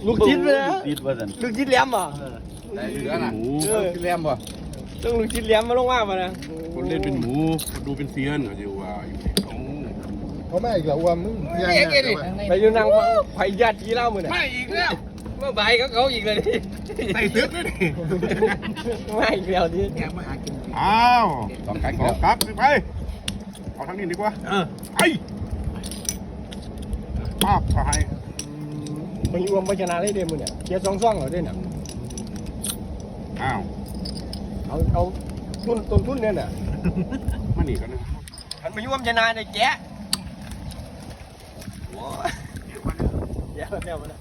ลูกชิ้นเลยนะติดว่าสันลูกชิ้นแหลมอ่ะได้เหลือน่ะหมูกินแลมบ่ต้องลูกชิ้นแหลมมาลงมาป่ะนะคนเล่นเป็นหมูคนดูเป็นเซียนเขาจะว่าอยู่เขาเขาไม่อีกแล้วว่ามึงยังไงไปอยู่นั่งไผ่ญาติที่เล่ามือเนี่ยไม่อีกแล้วเมื่อบ่ายเขาอีกเลยดิใส่ตึกเลยดิไม่อีกแล้วดิแกมาหากินอ้าวต้องการขกิอน กลับไปเอาทางนี้ดีกว่าไอ้ภาพถ่ายมันรวมไปชนะได้เดียมือเนี่ยเกียร์ซ่องเหรอเด่นอ่ะอ้าวเอาต้นทุนเนี่ยน่ะมาหนีกันนะมันไปรวมชนะในแกะโอ้ยแย่แล้วมัน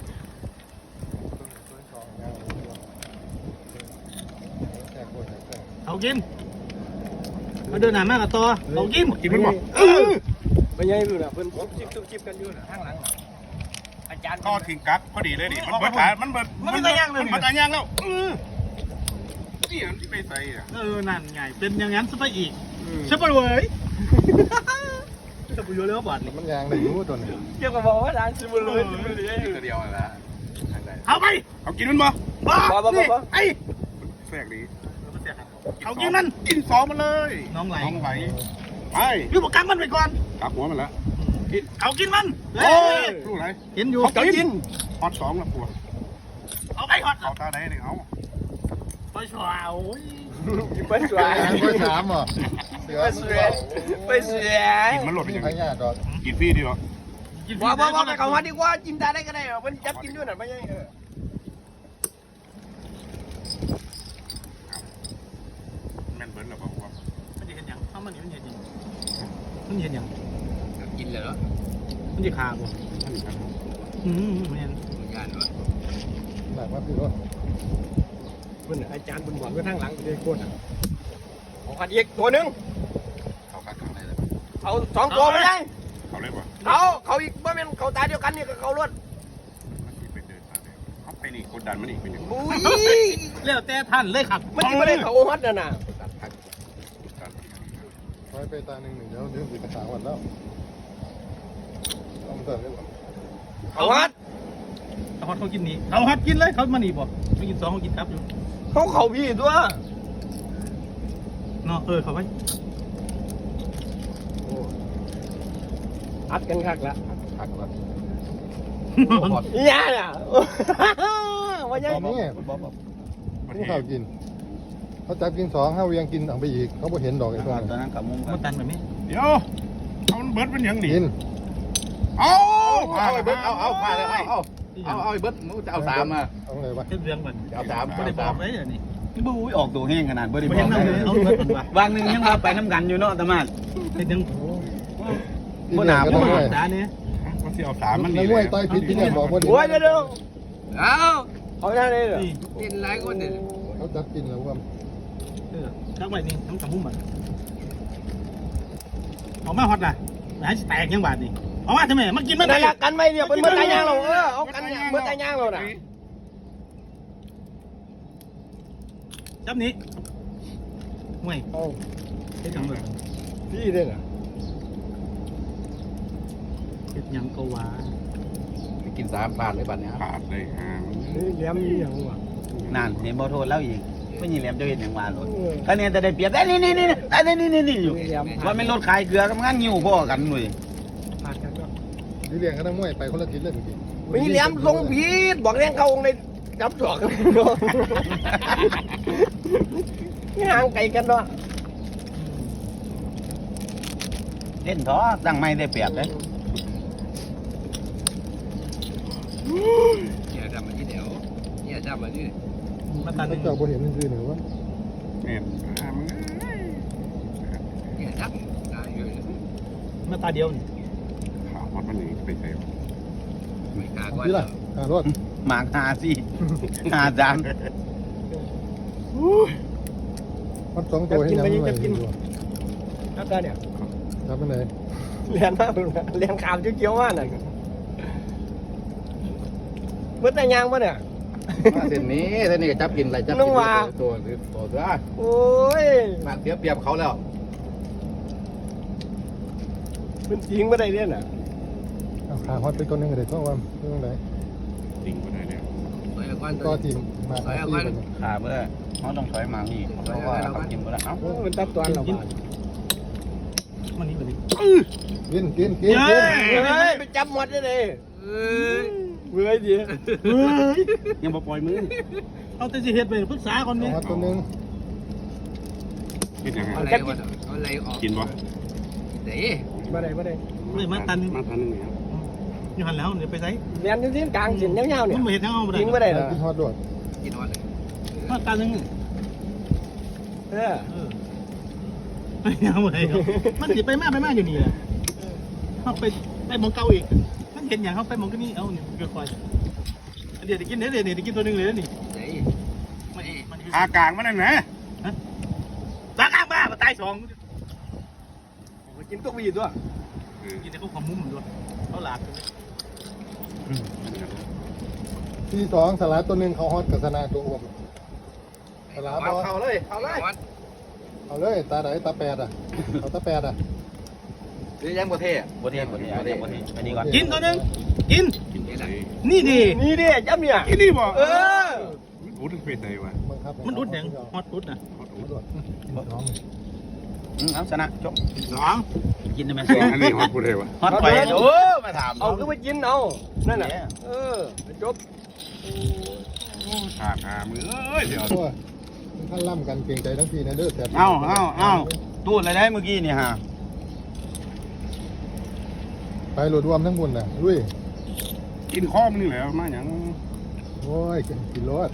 เอากินมาเดินหน้ามากับตัวเอากินกินมันบอกไม่ใช่ดูนะเพิ่นชิบกันอยู่นะข้างหลังอาจารย์ก็ทิ้งกักพอดีเลยดิมันเบิดขามันเบิดมันตายย่างแล้วนี่อันที่ไปใส่อ่ะนั่นไงเป็นอย่างนั้นซะไปอีกใช่ปะเว้ยจะไปอยู่แล้วบาดมันยางได้รู้ตัวนี้เกี่ยวกับบอกว่าร้านซิมูเลยซิมูเลยตัวเดียวนะเอาไปเอากินมันบ่บ้าบ่ไอ้แทรกดีเอากินมันกินสองมันเลยน้องไหลน้องไหลไปพี่บอกกังมันไปก่อนกักหัวมันละเอากินมันโอ้ยรู้ไรเห็นอยู่เขากินฮอตสองละปัวเอาไปฮอตเอาตาไหนเนี่ยเอาไปชวาโอ้ยไปสวยเบอร์สามเหรอเสือไปสวยกินมันหลดมียังพไงญาดอกกินฟรีดีวะบ่ไปเขาวัดดีกว่าจิ้มตาได้ก็ได้มันจับกินด้วยน่ะไม่ใช่แม่นเบิร์นหรอเปล่าวะมันจะเห็นยังเอามันเห็นยังมันเห็นยังกินเลยเหรอมันจะขาบ่ไม่เห็นงานวะหนักมากพี่รถเพิ่นอาจารย์เพิ่นบอกไว้ข้างหลังเลยโคตรเอาขัดอีกตัวนึงเขากักขังได้เลยเอา2ตัวไม่ได้เขาเลยปะเขาอีกบ่แม่นเขาตาเดียวกันนี่ก็เขารถมันไปเดินตาเดียวเขาไปนี่กดดันมันอีกเป็นอย่างอุ้ยแล้วแต่ท่านเลยครับมันไม่ได้เขาฮัดน่ะไว้ไปตาหนึ่งเดี๋ยวเรื่องสีกระถางวันแล้วเอามาเติมได้หรอเขาฮัดเขาฮอตเขากินนี่เขาฮอตกินเลยเขามานี่บ่ไม่กินสองเขากินครับอยู่เขาพี่ตัวเนาะเขาไปอัดกันคักละหักก่อนย่าน่ะว่ายังตอนนี้ผู้ข่าวกินเขาจับกินสองห้าเวียงกินเอาไปอีกเขาบ่เห็นดอกไอ้ตัวตอนนั้นกับมุมมันตันแบบนี้เดี๋ยวเอาเบิร์ดเป็นอย่างนี้กินเอาพาเอาเลเบิยร์ดเอาพาเลยเอาเบิร์ดมึงจะเอาสามมาเอาไงวะเรื่องมันเอาสามไม่ได้บอกเลยนี่บู๊ออกตัวแห้งขนาดบ่ได้ไม่บเห็อน กเอาเงินว่ะวางหนึ่งยังว่าไปน้ำกันอยู่เนาะตะมาดเห็นยังบ่หนาก็บ่ต้องหไว้ด่าเนี่ยมันสิเอาสามมันในนี่มวยต่อยผิดที่เนี่ยบอกว่าโอ้ยเดี๋ยวเอาเอาหน้าเลยเหรอกินหลายคนเนี่ยเขาจับกินแล้วว่าชักไปนี่ทั้งกับมุมมันออกมาฮอตนะหายแตกยังบาดนี่ออกมาทำไมมันกินมันนั่นละกันไหมเนี่ยเป็นเมื่อตายย่างเราเอากันเนี่ยเมื่อตายย่างเราน่ะจับนี้ไม่เอาเฮ็ดยังเลยพี่เนี่ยน่ะเฮ็ดยังก็ว่ากินสามพลาดเลยบัดเนี้ยขาดเลยฮะนี่เลี้ยมนี่อย่างวะนั่นเห็นบ่โทษแล้วอีกไม่ยินแหลมจะเห็นอย่างว่าโลดคะแนนจะได้เปรียบได้นี่อยู่ว่าไม่ลดขายเกลือทำงานหิวพ่อกันหน่วยผ่านกันก็ที่เรียงกันทั้งมวยไปคนละทิศเลยเมื่อกี้มีเลี้ยมทรงพีดบอกเลี้ยงเขาในจับจอกเนาะห่างไกลกันเนาะเล่นท้อตั้งไม่ได้เปรียบเลยเนี่ยดำมาที่เดียวเนี่ยดำมาที่มาตันเขาเจ้าบ่เห็นมันคือหรือว่าเนี่ยมึงเนี่ยดำตายอยู่มาตาเดียวนี่ขาวมันนี่ไปใส่ไม่กล้าก่อนที่ล่ะรถหมากหาสิหาจานมันสองตัวให้ยังไม่ไหวแล้วกันเนี่ยจับไปไหนเลี้ยงมากเลี้ยงขาวเขียวๆมากน่ะเมื่อตายย่างปะเนี่ยเส้นนี้ก็จับกินอะไรจับตัวตัวโอ้ยมาเสียเปรียบเขาแล้วเป็นจริงไม่ได้เนี่ยน่ะเอาขาฮอตไปตัวนึงก็ได้เพราะว่าเรื่องไหนติ่งไปไหนก็ทีมมาที่กันขาเมื่อเขาต้องถอยมานี่เพราะว่าเขากินไปแล้วเอ้ามันตับตัวเรามันนี่มันนี่กินเฮ้ยไปจับหมดเลยเว้ยดิเฮ้ยยังบ่ปล่อยมือเอาแต่สิเฮ็ดไปปรึกษาคนนี้เอาตัวนึงคิดยังไงอะไรออกกินบ่เดี๋ยวมาได้เลยมาตันมาทันนึงเนี่ยอยู่หันแล้วเดี๋ยวไปไสเรียนที่กลางสินยาวๆเนี่ยมันบ่เฮ็ดทางเอาบ่ได้ยิงไม่ได้เหรอกินฮอตด้วยกินนอนเลยมาตันนึงเออไปเอาบ่ได้มันสิไปมาอยู่นี่แหละเฮาไปหมองเก่าอีกมันเห็นหยังเฮาไปหมองก็นี่เอานี่ก็คอยเดี๋ยวได้กินเดี๋ยวได้กินตัวนึงเลยนี่มันอากลางมันนั่นนะตาข้างบ้ามาตาย2 กินตัววีด้วยกินแต่เขาขมุมด้วยเขาหลากที่สองสลัดตัวนึงเขาฮอตกับสนาตัวอ้วมสลัดบอเอาเลยเอาเลยตาไหนตาแปดอ่ะเอาตาแปดอ่ะนี่ยังบ่เท่บ่เทียบ่เทียบ่เทียอันนี้ก่อนกินตัวนึงกินกินเลยนี่ดินี่ดิจับเนี่ยกินนี่บ่เออรู้ถึงเป็นไงวะบังคับมันอุดหยังฮอตอุดนะเอาชนะจบ 2กินได้ไหมอันนี้ฮอตพูดเลยวะฮอตไปโอ้มาถามเอาก็ไปกินเอานั่นน่ะเออจบขาดหามือเอ้ยเดี๋ยวตัวท่านล่ำกันเก่งใจทั้งทีนะเด้อแต่เอาตูดอะไรได้เมื่อกี้นี่ฮะไปโหลดรวมทั้งบุญน่ะลุยกินข้อมนี่แหละมาอย่างโอ้ยกินรถ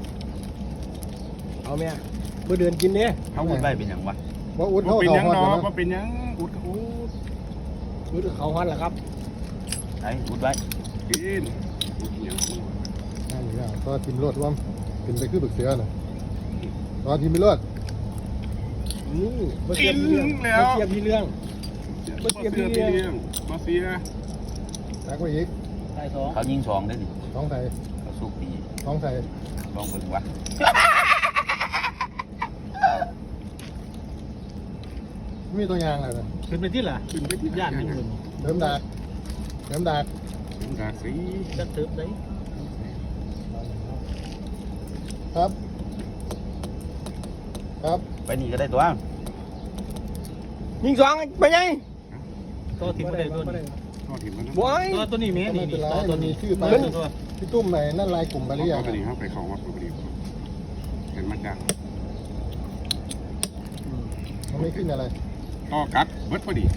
เอาแม่เมื่อเดือนกินเนี่ยเขาพูดได้เป็นอย่างวะว่าอุดว่าเขาเป็นเขายังฮอตเนาะนะว่าเป็นยังอุดอุดมือเขาฮอนแหละครับไอ้พูดไว้กินอุดยังนั่นอยู่แล้วก็ทีมรถรวมกินไปคือบึกเสือน่ะก็ทีมไม่รถนี่มาเทียบพี่เรื่องมาเทียบพี่เรื่องมาเสียมาเสียตักไว้อีกตายสองเขายิง2ได้ดิท้องไทยเขาสู้ปีท้องไทยลองเบิ่งวะมีตัวอยางอะไรนะเป็นไปที่ล่ะย่านนี่มึงเดิมดากเป็นกาสีจะเติบได้ครับ ครับไปนี่ก็ได้ตัวยิงสองไปยังตัวที่บ่ได้ตัวนี้ทอดถิ่นมันบอยตัวนี้แม่นี่ตัวนี้ตัวพี่ตุ้มไหนนั่นลายกลุ่มบาเรีเรียยกไปดีครับไปเขาวัดไปดีเห็นมันจังมันไม่ขึ้นอะไรต่อกัดเบิดพอดี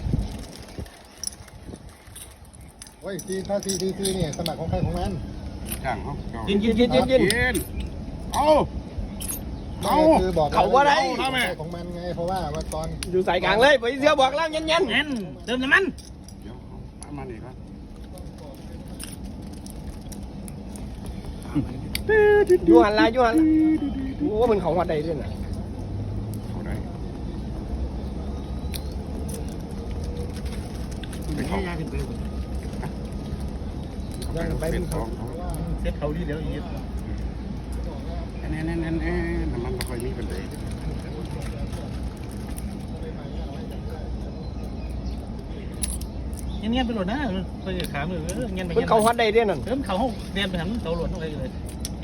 โอ้ยถ้าซีเนี่ยสมัครของใครของมันจ้างเขากินเอาเอาคือบอกเขาว่าไรของมันไงเพราะว่าตอนอยู่ใส่กลางเลยไปเสียบอกแล้วเย็นแน่นเติมน้ำมันเดี๋ยวมาดีครับๆอยู่หันละโอ้มันเขาหัดใดด้วยน่ะเขาได้ไปเขาไปเป็นเขาเซ็ตเขาดีเดี๋ยวอีกแน่น้ำมันไม่ค่อยมีเป็นเลยเงี้ยไปโหลดนะไปขามือเงี้ยไปมันเขาหัดใดด้วยนั่นเติมเขาห้องเรียนไปหันเขาโหลดอะไรเลย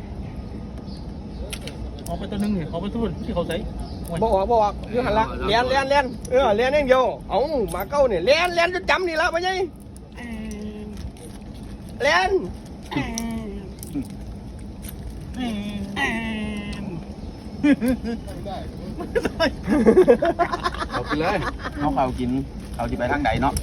ออกไปตัวนึงเนี่ยออกไปทุนที่เขาใส่บอกอยู่หันละเลี้ยนเลี้ยนเองเดียวเอามาเก้าเนี่ยเลี้ยนจะจำนี่ละไปยังเลี้ยนเอาไปเลยเขากินเขาที่ไปทางใดเนาะ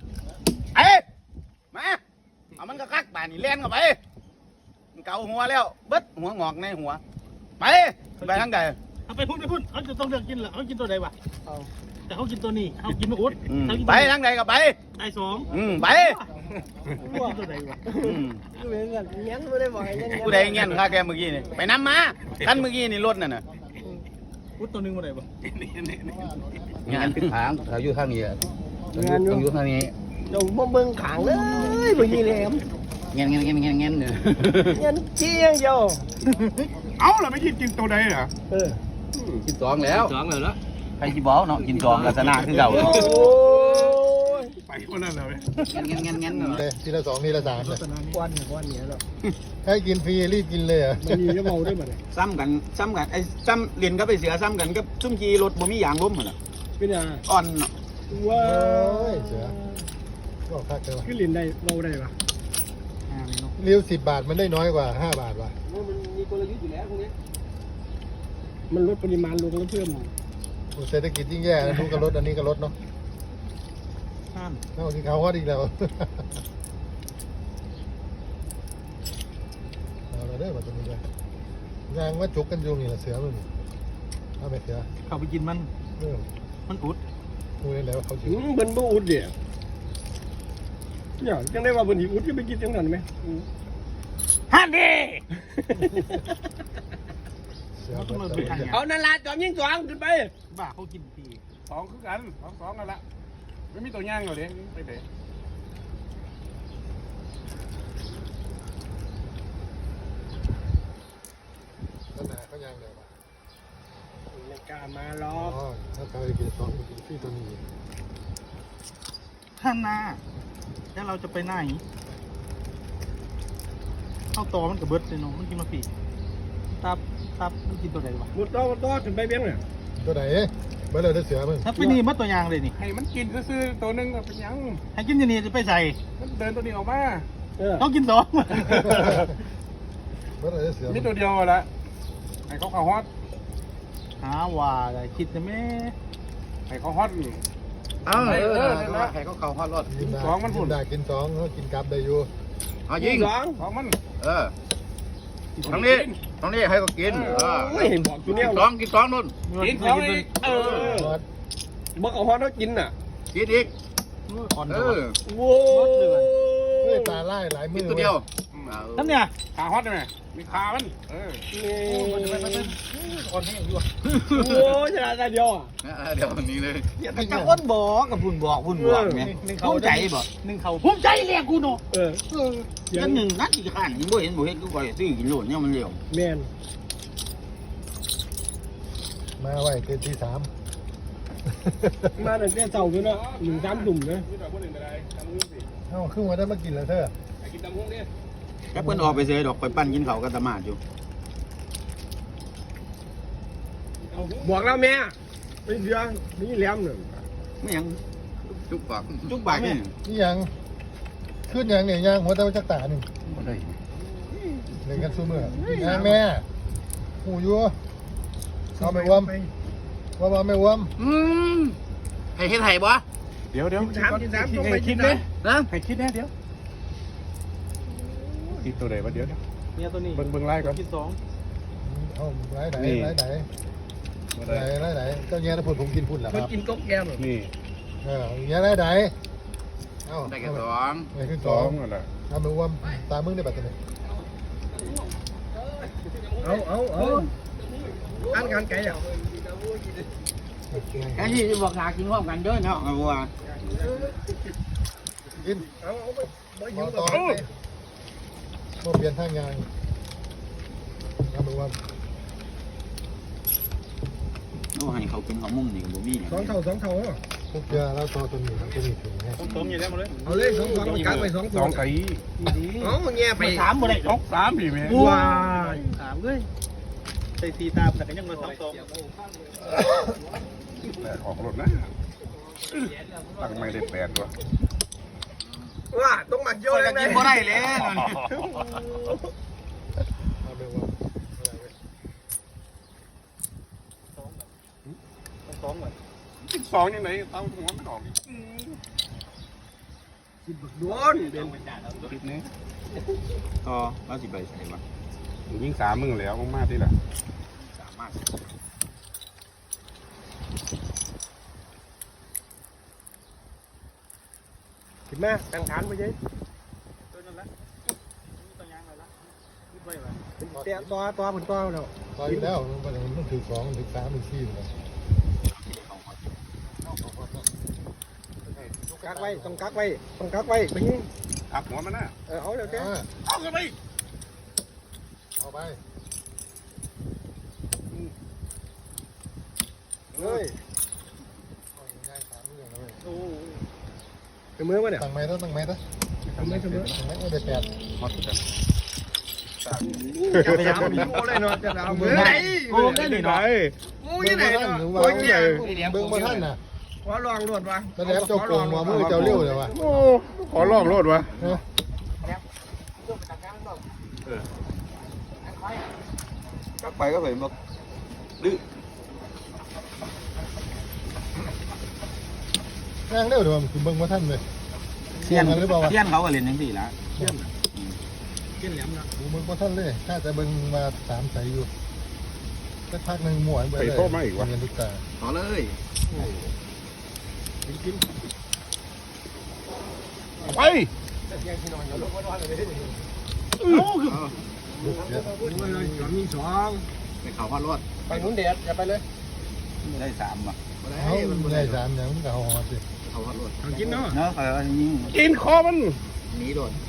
มาเอามันก็คักป่านี่เล่นเข้าไปเกาหัวแล้วเบิดหัวงอกในหัวไปทางใดเอาไปพุ่นเขาจะต้องเลือกกินเหรอเขากินตัวใดวะแต่เขากินตัวนี้เขากินมะอุดไปทางใดก็ไปตาย2 ไปกินตัวใดวะเลี้ยนไม่ได้บอกไอ้เงี้ยผู้ใดเงี้ยข้าแกเมื่อกี้นี่ไปน้ำมาคันเมื่อกี้นี่รถน่ะอุดตัวนึงมาไหนวะงานผิดทางเขาอยู่ข้างนี้ต้องอยู่ข้างนี้จงบ่เบิ่งขางเลยบ่ยีแหลมเงี้ยเนี่ยเงี้ยเชี่ยเดียวเอาล่ะไม่กินตัวใดเหรอกิน2แล้วใครจีบอกเนาะกินจองลักษณะคือเก่าโอ้ยปไปวันนั้นเลยงั้นเลยทีละ2ทีละ3เลยก้อนเนี่ยแล้วให้กินฟรีรีบกินเลยอ่ะมันมีก็เมาได้หมดเลยซ้ำกันไอ้ซ้ำเรียนก็ไปเสือซ้ำกันกับซุ่มขี่รถบ่มียางล้มเหมือนเป็นยังอ่อนว้าโอ้ยเสือก็คักเลยวะขึ้นลินได้เมาได้ปะเลี้ยว10 บาทมันได้น้อยกว่า5 บาทว่ะมันมีกลยุทธ์อยู่แล้วพวกนี้มันลดปริมาณลงแล้วเพิ่มเศรษฐกิจยิ่งแย่นะทุกกระลดอันนี้กระลดเนาะห้ามเอาที่เขาฮอดอีกแล้วเอาเราได้มาตัวนี้เลยยางว่าจุกกันอยู่นี่แหละเสือมันเอาไปเสือเข้าไปกินมัน มันอุดดูได้แล้วว่าเขาชิวเบิ้ลบ่อุดเดี๋ยวเนี่ยจังได้ว่าเบิ้ลหิอุดจะไปกินจังนั้นไหมฮันดีเสือมันจะเอานั่นละจอมยิงสองขึ้นไปบ้าเขากินปีสองคือกันสองกันละไม่มีตัวย่างเลยไปเตะขนาดเขายางเดียวป่ะไม่กล้ามาหรออ๋อก ถ้าเขาไปกิน2มันกินฟรีตัวนี้ท่านนาแล้วเราจะไปไหนเข้าต่อมันกับเบิร์ดเลยเนาะมันกินมาปีตับมันกินตัวไหนวะหมดตัวขึ้นไปเบี้ยงเนี่ยตัวไหนเบอร์เลยได้เสือมึงถ้าไปนี่มัดตัวยางเลยนี่ให้มันกินซื้อตัวนึงเป็นยังให้กินอย่างนี้จะไปใส่มันเดินตัวนี้ออกมาต้องกินสองเบอร์เลยได้เสือมีตัวเดียวละให้เขาฮอตหาว่าอะไรคิดจะแม่ให้เขาฮอตให้เขาเข้าฮอดรถกินได้สองมันพุ่นกินได้กิน2เขากินกลับได้อยู่เอายิงสองของมันทั้งนี้ให้เขากินโอ้ยบอกตัวเนี้ยกินสองนู่นกินของอีกฮอดบอกเอาฮอตแล้วกินน่ะกินอีกอ่อนเอตัวอโว้เฮ้ยตาไล่หลายมืกินอตัวเดียวท่านเนี่ยขาฮอตได้ไหมมีขามันอ่อนให้อยู่โอ้ชนะตาเดียวอ่ะเดี๋ยวนี้เลยแต่จะอ้นบอกกับพุ่นบอกไงภูมิใจบ่หนึ่งเขาภูมิใจเรียกกูเนาะยันหนึ่งนัดอีกข้างยังบ่เห็นกูก่อยซื้อกินโหลดเนี่ยมันเร็วแมนมาไว้เกินที่3 มาตั้งแต่เช้าเลยนะ1-3 ตุ่มเลยมีแต่คนอื่นก็ได้ทำมือสิเอ้าครึ่งวันได้มากินแล้วเธอให้กินตำหุ้งดิแค่เพิ่นออกไปเสียดอกไปปั้นกินเขาก็ตะมาดอยู่บอกแล้วแม่ไปเดือนี่แหลมหนึ่งไม่ยังจุกปากจุกบากนี่นี่ยังขึ้นยังเนี่ยยังหัวเต้าจักตาหนึ่งเล่นกันสู้มือยางแม่หูยัวเอาไม่วมว่าไม่วมให้เฮ็ดให้บ่เดี๋ยว 3ต้องไปกินเลยนะให้คิดแน่เดี๋ยวคิดตัวไหนวะเดี๋ยวเนี่ยตัวนี้เบิ่งไล่ก่อนกินสองเอาไหนเจ้าเงี้ยถ้าพูดผมกินพุ่นแหละคมันรับกินก๊กแก้มนี่เงี้ยไหนเอาได้แค่สองไหนขึ้นส 2 องนั่นแหละเอาไม่วมตามึงได้บัตรไหนเอาอันกันไก่อ่ะแค่ที่บอกหากินพร้อมกันเด้อเนาะว่ากินเอาไปบ่มหิอวต่อโมเปลี่ยนทางยางเอาไม่วมโอ้ให้เขากินของมุมนี่บ่มี 2 เท่าทุกเดือนแล้วต่อตัวนี้ถึงไงสองอย่างได้หมดเลยเอาเลย2กักไป2 สองไก่เอาแง่ไปไปถามบ่ได้สองสามพี่แม่ว้าถามเลยใส่สีตามแต่ก็ยังมาสองออกรถนะตั้งไม่ได้8ตัวว่าต้องมาเยอะเลยกินบ่ได้เลยเอาไม่วมสองแบบกินสองยังไงเต้าหัวมันออกโดนคิดนี้ต่อว่าสิไปใส่บ่ยิง3มึงแล้วมากที่ละสามารถขึ้นมาตั้งฐานไปยัยตัวนั้นละตัวยางอะไรละคิดไว้ว่าเตะตัวผลตัวแล้วต่ออยู่แล้วมันถึง2ถึง3ถึง4เลยกักไว้ต้องกักไว้ไปยิงทับหัวมันนะเอาเดี๋ยวแกเอากันไปเอาไปเฮ้ยง่าย3เรื่องเลยโอ้เคเสมอวะเนี่ยตั้งไม้ต้องตั้งไม้ต้องเสมอตั้งไม้ได้แปดฮอตกันจะไปเอาโอ้เลยเนาะจะเอามือไหนโอ้ได้หนิหน่อยโอ้ยไหนท่านเนาะหรือโอ้ว่ายเนี่ยเบิ้งมาท่านน่ะขอลองรวดวะแสดงเจ้าโกงว่ามือเจ้าเลี้ยวเลยวะโอ้ขอลองโลดวะไปก็ไปมาดื้อแรงเลี้ยวเดี๋ยวมันเบิ้งมาท่านเลยเทียนหรือเปล่าวะเทียนเขาก็เล่นจังซี่ล่ะเกี้ยนแหลมนะเบิ้งมาท่านเลยถ้าจะเบิ้งมาสามใสอยู่สักพักหนึ่งหมวนไปเลยเงินทุกตาต่อเลยไปลูกเสียโอ้ยเลยจอมยิงสองไปเขาฮอดรถไปหมุนเด็ดอย่าไปเลยได้3ว่ะเขาได้สามอย่างมันก็เอาหอดสิเขาฮอดรถเอากินเนาะเนาะยิงกินคอมันหนีโดน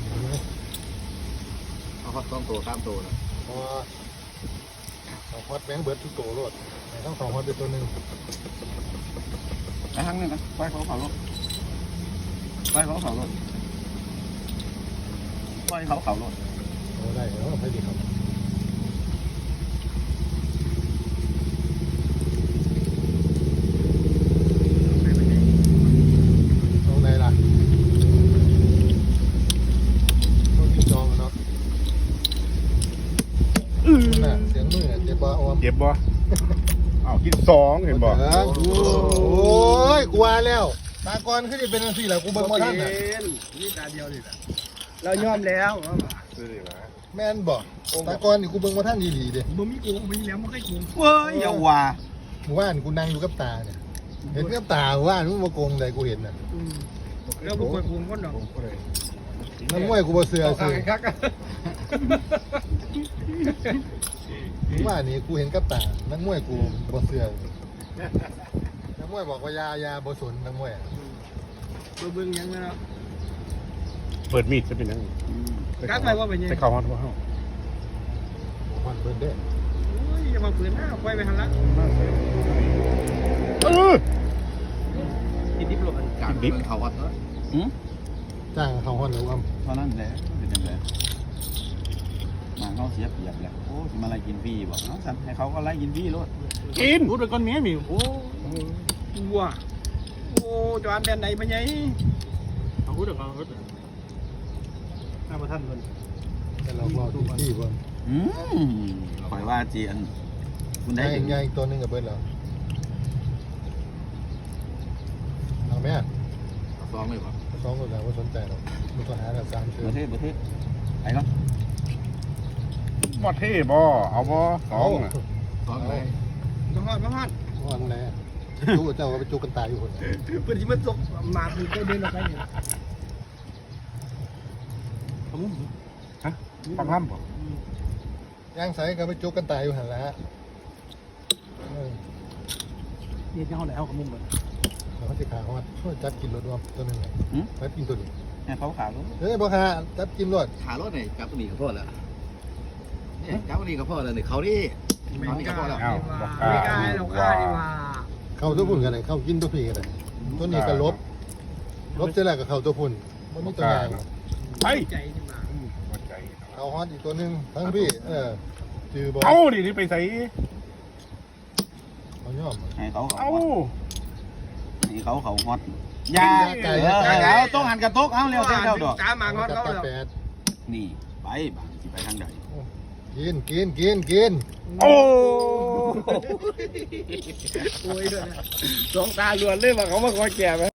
เอาฮอด2ตัว3ตัวนะพอเอาฮอดแบงเบิร์ดทุกตัวรถต้องสองฮอดเป็นตัวหนึ่งไปทางนึงกันไปเขารถไปเขารถไปเขารถโอ้ได้แล้วไปดีครับตรงไหนล่ะต้องกินจองเนาะน่ะเสียงมือเจ็บบ่อวมเจ็บบ่อ้าวกิน2เห็นบ่โอ้ยกูว่าแล้วตากรขึ้นเป็นอันสี่แหละกูเบิ่งมาท่านน่ะนี่ตาเดียวนี่แหละเรายอมแล้วแม่นบ่ตากรนี่กูเบิ่งมาท่านดีๆเด้บ่มีกูมีแล้วไม่เคยกูเว้ยอย่าว่าหมู่บ้านกูนั่งอยู่กับตาเนี่ยเห็นกับตาหมู่บ้านมึงมาโกงใดกูเห็นน่ะแล้วบ่เคยกูคนดอกนักมวยกูบ่เสือเอาซื้อคักหมู่บ้านนี่กูเห็นกับตานักมวยกูบ่เสือนักมวยบอกว่ายาบ่สนนักมวยอะเบิ่งยังนะเปิดมีดจะเป็นยังกัดไปว่าเป็นยังไปเข้าฮอดบ่เฮามันเบิ่นเด้โอ้ยอย่ามาฝืนหน้าไปหันละเออกินดิบหลบการดิบเขาฮอดรถจ้างเขาฮอนหรือว่าเท่านั้นแหละเป็นจังไดมาเขาเสียเปรียบแหละโอ้สิมาไล่กินฟรีบ่เนาะสั่นให้เขาก็ไล่กินฟรีโลดกินพูดไปก่อนเมียมีโอ้วัวโอ้จานแบนไหนไปยังเอาพูดกับเขาพูดถ้ามาท่านคนแต่เรารอทุกที่เบิ่งข่อยว่าเจียนคุณได้ได้ถึงง่ายอีกตัวหนึงกับเบิ่นแล้วเอาแม่เอา2เลยบ่สองคนแล้วว่าสนใจหรอกมันต้องหากันสามเชือประเทศไปก่อนบ่เท่บ่เอาบ่2น่ะ 2เลยมาฮอดมาฮอดว่าอะไรอะจู้เจ้าก็ไปจู้กันตายอยู่คนเพื่อนที่มันตกมาคือก็เดินออกไปเนี่ยฮะปังห้ำบ่ย่างใส่ก็ไปจู้กันตายอยู่หันละเออเย็นยังเขาไหนเอาขมุมเลยเขาจะขาเขาว่าช่วยจับกินรถรวมตัวหนึงเลยจับกินตัวนี้ให้เขาขาวลูกเฮ้ยพ่อค้าจับกินรถขารถนี่จับตัวนี้ก็พอแล้วเนี่ยจับตัวนี้ก็พอแล้วนี่เขาดิไม่กล้าไม่กล้าเรากล้าดีว่าเข้าตัวพุ่นกันเลยเข้ากินตัวพี่กันเลยตัวนี้ก็ลบเสร็จแล้วก็เข้าตัวพุ่นมันมีตัวใหญ่ไปใจดีมาบ่ใจเอาฮอตอีกตัวหนึงทั้งพี่จือบอลเอาดินี่ไปใส่เขาย่อมให้เขาเอาให้เขาฮอตยาเอาต้องหันกระตกเอาเร็วเร็วดอกตามมาฮอตจับเขาตาแล้วแปดนี่ไปบางสิไปทางใดกินโอ้โอ้ยด้วยนะสองตาล้วนเลยว่าเขามาคอยแก่ไหม